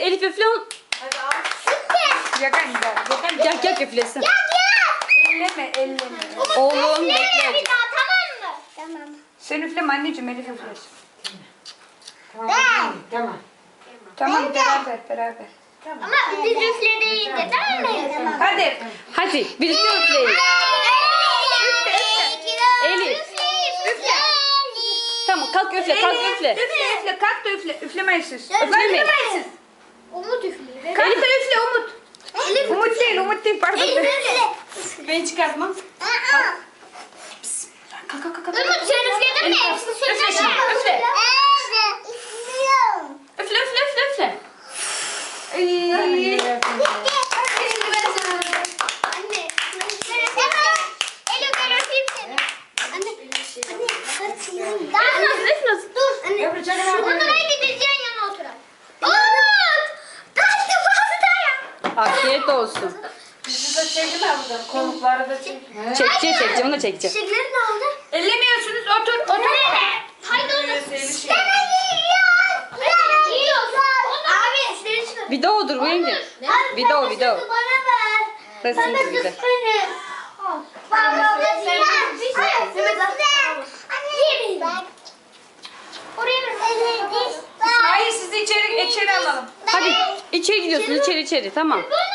Elif üfle. Hadi al. Yakan gel. Gel üflesin. Elleme. Oğlum bekle. Bir daha tamam mı? Tamam. Sen üfleme anneciğim, Elif üflesin. Tamam. Tamam, beraber. Ama biz üflediğinde değil mi? Hadi. Hadi birlikte üfleyin. Elif. Üfle. Tamam kalk üfle kalk üfle. Üfle. Kalk da üfle. Üflemeyin siz. Üflemeyin. Umut üflüyor. Kalk da üfle Umut. Umut değil pardon. Ben çıkartmam. Umut sen üfledin mi? Üfle şimdi, üfle. Üfle. Anne. Elo gel öpeyim seni. Anne. Dur. Anne. Bunlara gideceğin yana oturalım. Umut. Kaçtı pastaya. Afiyet olsun. Bizi de çekin abla. Konukları da çekin. Çekeceğim onu çekeceğim. Çiçekleri ne oldu? Ellemiyorsunuz, otur. Haydi onu. Seni Abi işleri çıkar. Videodur bu yenge. Video. Bana ver. Resim gibi de. Baba Hayır, sizi içeri alalım. Hadi içeri gidiyorsun içeri tamam. Bunu